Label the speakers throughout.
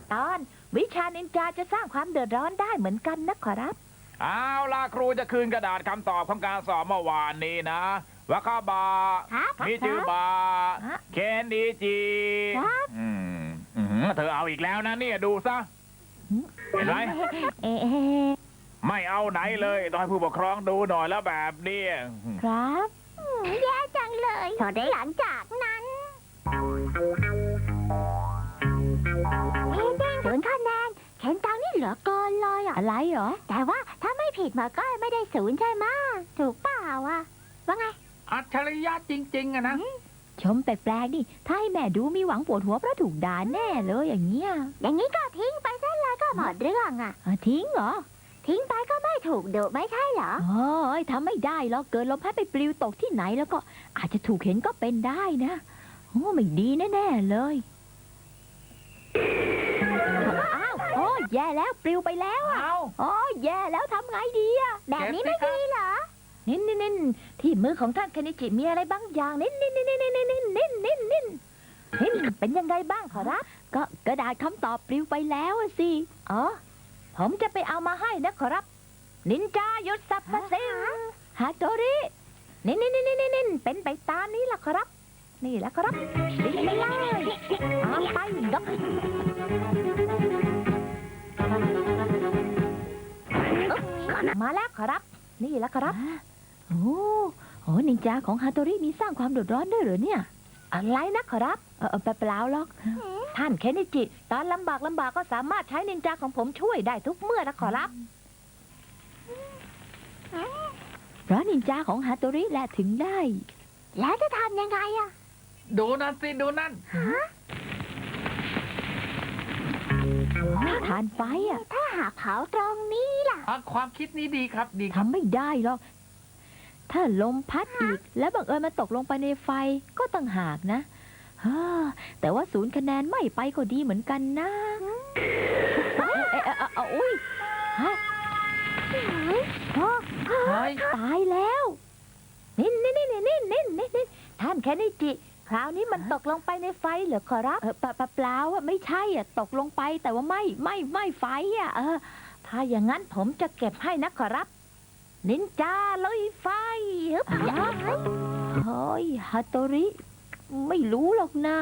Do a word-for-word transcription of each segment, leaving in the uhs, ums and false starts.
Speaker 1: ตอนวิชานินจาจะสร้างความเดือดร้อนได้เหมือนกันนะขอรับ
Speaker 2: เอาล่ะครูจะคืนกระดาษคำตอบของการสอบเมื่อวานนี้นะวาคาบามิจูบาเคนดีจีอืมเธอเอาอีกแล้วนะเนี่ยดูซะเห็นไหมไม่เอาไหนเลยต้องให้ผู้ปกครองดูหน่อยแล้วแบบนี้
Speaker 1: ครับ
Speaker 3: แย่จังเลยพอได้หลังจากนั้นเอ๊ะแดงศูนย์คะแนนเคนตังนี่เหลือเกินเลยอ่ะ
Speaker 1: อะไรเหรอ
Speaker 3: แต่ว่าถ้าไม่ผิดมาก็ไม่ได้ศูนย์ใช่ไหมถูกเปล่าอ่ะว่าไง
Speaker 2: อัจฉริยะจริงๆอะนะ
Speaker 1: ชมแปลกๆดิถ้าให้แม่ดูมีหวังปวดหัวเพราะถูกด่าแน่เลยอย่างเงี้ย
Speaker 3: อย่างนี้ก็ทิ้งไปซะเลยก็หมดเรื่องอ่ะ
Speaker 1: ทิ้งเหรอ
Speaker 3: ทิ้งไปก็ไม่ถูกดุไม่ใช่เหรอ
Speaker 1: โอ้ยทำไม่ได้หรอกเกิดลมพัดไปปลิวตกที่ไหนแล้วก็อาจจะถูกเห็นก็เป็นได้นะโอ้ไม่ดีแน่ๆเลยอ้าวโอ้แย่แล้วปลิวไปแล้วอ่ะโอ้แย่แล้วทำไงดีอ่ะ
Speaker 3: แบบนี้ไม่ดีเหรอ
Speaker 1: นิ่นนิ่นนิ่นที่มือของท่านคานิจิมีอะไรบางอย่างนิ่นนิ่นนิ่นนิ่นนิ่นนิ่นนิ่นนิ่นนิ่นนิ่นเป็นยังไงบ้างขอรับก็กระดาษคำตอบปลิวไปแล้วสิอ๋อผมจะไปเอามาให้นะขอรับนินจายุทธสัพพสิงฮาโตรินิ่นนิ่นนิ่นนิ่นเป็นไปตามนี้ล่ะขอรับนี่แหละขอรับดิ้นไปเลยตามไปดอกมาแล้วขอรับนี่แหละขอรับโอ้โหนินจาของฮาโตริมีสร้างความเดือดร้อนด้วยเหรอเนี่ยอะไรนะขอรับเออเปล่าหรอกท่านเคนนิจิตอนลำบากลำบากก็สามารถใช้นินจาของผมช่วยได้ทุกเมื่อนะขอรับเพราะนินจาของฮาโตริแหละถึงได้
Speaker 3: แล้วจะทำยังไงอะ
Speaker 2: ดูนั่นสิดูนั่น
Speaker 1: ทานไฟอะ
Speaker 3: ถ้าหากเผาตรงนี้ล่ะ
Speaker 2: ความคิดนี้ดีครับดี
Speaker 1: ทำไม่ได้หรอกถ้าลมพัดอีกแล้วบังเอิญมันตกลงไปในไฟก็ต่างหากนะแต่ว่าศูนย์คะแนนไม่ไปก็ดีเหมือนกันนะเอ๊ะเอ๊ะอุ้ยฮะตายแล้วนิ่นนิ่นนิ่นนิ่นนิ่นนิ่นท่านแคนิจิคราวนี้มันตกลงไปในไฟเหรอขอรับเออเปล่าเปล่าอ่ะไม่ใช่อ่ะตกลงไปแต่ว่าไม่ไม่ไม่ไฟอ่ะเออถ้าอย่างนั้นผมจะเก็บให้นะขอรับนินจาลุยไฟฮึบเฮ้ยฮาโตริไม่รู้หรอกนะ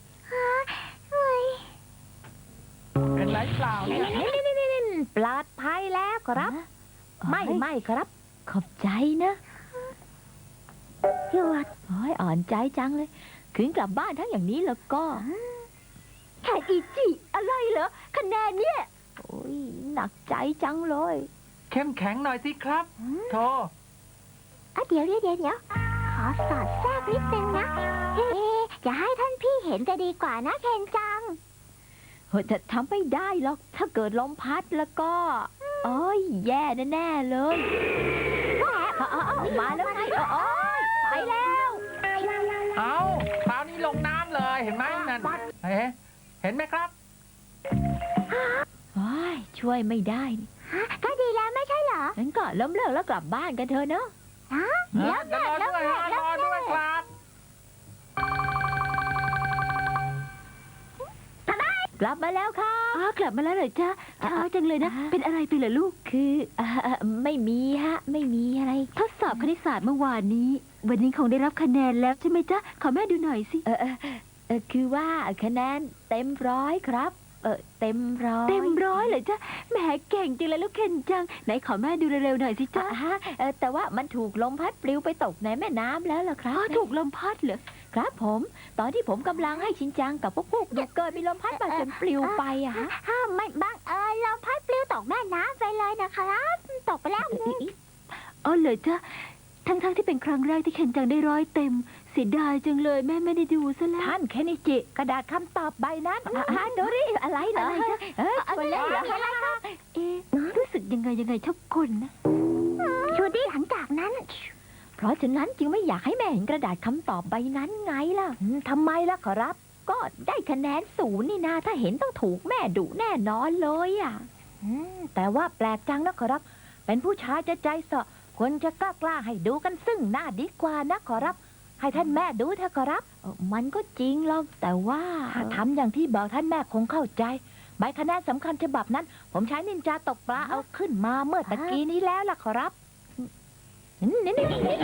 Speaker 2: เป็นไรเปล่าเนี่ย
Speaker 1: ปลอดภัยแล้วครับไม่ไม่ครับขอบใจนะ
Speaker 3: หยุด
Speaker 1: โอ้ยอ่อนใจจังเลยคืนกลับบ้านทั้งอย่างนี้แล้วก็
Speaker 3: แค่อีจิอะไรเหรอคะแนนเนี่ย
Speaker 1: โอ้ยหนักใจจังเลย
Speaker 2: เข้มแข็งหน่อยสิครับโธ่
Speaker 3: อ่ะเดี๋ยวเดี๋ยวเดี๋ยวขอสอดแทรกนิดนึงนะเอ๊ะจะให้ท่านพี่เห็นจะดีกว่านะเคนจัง
Speaker 1: เฮ้ยจะทำไม่ได้หรอกถ้าเกิดลมพัดแล้วก็โอ้ยแย่แน่ๆเลยมาแล้วไงโอ้ยไปแล้ว
Speaker 2: เอาคราวนี้ลงน้ำเลยเห็นไหมนั่นเฮ้เห็นไหมครับ
Speaker 1: โอ้ยช่วยไม่ได้
Speaker 3: ก็ดีแล้วไม่ใช่เหรอ
Speaker 1: งั้นก็ล้มเลิกแล้วกลับบ้านกันเถอะเนอะ
Speaker 3: ฮะล้มเลิกล้มเลิก
Speaker 2: รอด้วยครับ
Speaker 1: กลับมาแล้วค่ะ
Speaker 4: อ๋อกลับมาแล้วเหรอจ๊ะช้าจังเลยนะเป็นอะไรไปเหรอลูก
Speaker 1: คือไม่มีฮะไม่มีอะไร
Speaker 4: ทดสอบคณิตศาสตร์เมื่อวานนี้วันนี้คงได้รับคะแนนแล้วใช่ไหมจ๊ะขอแม่ดูหน่อยสิ
Speaker 1: เออเออคือว่าคะแนนเต็มร้อยครับเออเต็มร้อย
Speaker 4: เต็มร้อยเหรอจ๊ะแหมเก่งจริงเลยลูกเคนจังไหนขอแม่ดูเร็วๆหน่อยสิจ๊ะ
Speaker 1: ฮะแต่ว่ามันถูกลมพัดปลิวไปตกในแม่น้ำแล้วล่ะครับ
Speaker 4: ถูกลมพัดเหรอ
Speaker 1: ครับผมตอนที่ผมกำลังให้ชินจังกับพวกพวกดูเกิดมีลมพัดมาจนปลิวไปอะฮะ
Speaker 3: ห้ามไม่บังเอิญลมพัดปลิวตกแม่น้ำไปเลยนะครับตกไปแล้ว
Speaker 4: อ๋อเหรอจ๊ะทั้งๆที่เป็นครั้งแรกที่เคนจังได้ร้อยเต็มเสียดายจังเลยแม่ไม่ได้ดูซะแล้ว
Speaker 1: ท่านเคนนิจิกระดาษคำตอบใบนั้นฮะโดริอะไรเหรอเออคนเล่นเหรอ
Speaker 4: เอ๊ะรู้สึกยังไงยังไงชอบคนนะ
Speaker 3: ชูดี้หลังจากนั้น
Speaker 1: เพราะฉะนั้นจึงไม่อยากให้แม่เห็นกระดาษคำตอบใบนั้นไงล่ะทำไมล่ะขอรับก็ได้คะแนนศูนย์นี่นาถ้าเห็นต้องถูกแม่ดุแน่นอนเลยอ่ะแต่ว่าแปลกจังนะขอรับเป็นผู้ชายจะใจเสาะควรจะกล้ากล้าให้ดูกันซึ่งหน้าดีกว่านะขอรับให้ท่านแม่ดูเถอะขอรับมันก็จริงหรอกแต่ว่าถ้าทำอย่างที่บอกท่านแม่คงเข้าใจใบคะแนนสำคัญฉบับนั้น ผมใช้นินจาตกปลาเอาขึ้นมาเมื่อตะกี้นี้แล้วล่ะขอรับนี่นี่นี่นี่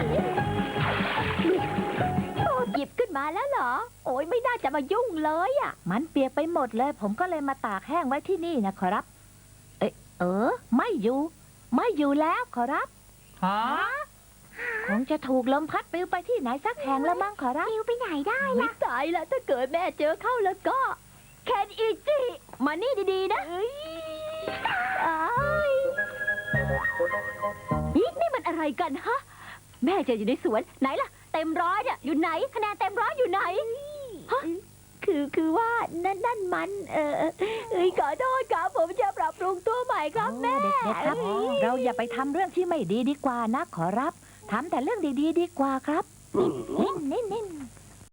Speaker 4: โอ้หยิบขึ้นมาแล้วเหรอ โอ้ยไม่น่าจะมายุ่งเลยอ่ะ
Speaker 1: มันเปียกไปหมดเลย ผมก็เลยมาตากแห้งไว้ที่นี่นะขอรับ เอ๊ะเออ ไม่อยู่ ไม่อยู่แล้วขอรับ
Speaker 2: ฮะ
Speaker 1: คงจะถูกลมพัดปลิวไปที่ไหนสักแห่งแล้วมั้งขอรับ
Speaker 3: ปลิวไปไหนได้
Speaker 4: ไม่ตายละถ้าเกิดแม่เจอเข้าแล้วก็ แคนอิจิมานี่ดีๆนะอ้ายนี่นี่มันอะไรกันฮะ แม่จะอยู่ในสวนไหนล่ะ เต็มร้อยเนี่ยอยู่ไหน คะแนนเต็มร้อยอยู่ไหนฮะคือคือว่านั่นนั่นมัน เออเอ้ยขอโทษครับผมจะปรับปรุงตัวใหม่ครับแม่
Speaker 1: โอ้เด็กๆครับ เราอย่าไปทำเรื่องที่ไม่ดีดีกว่านะขอรับทำแต่เรื่องดีๆดีกว่าครับ นิ่นนิ่นนิ่น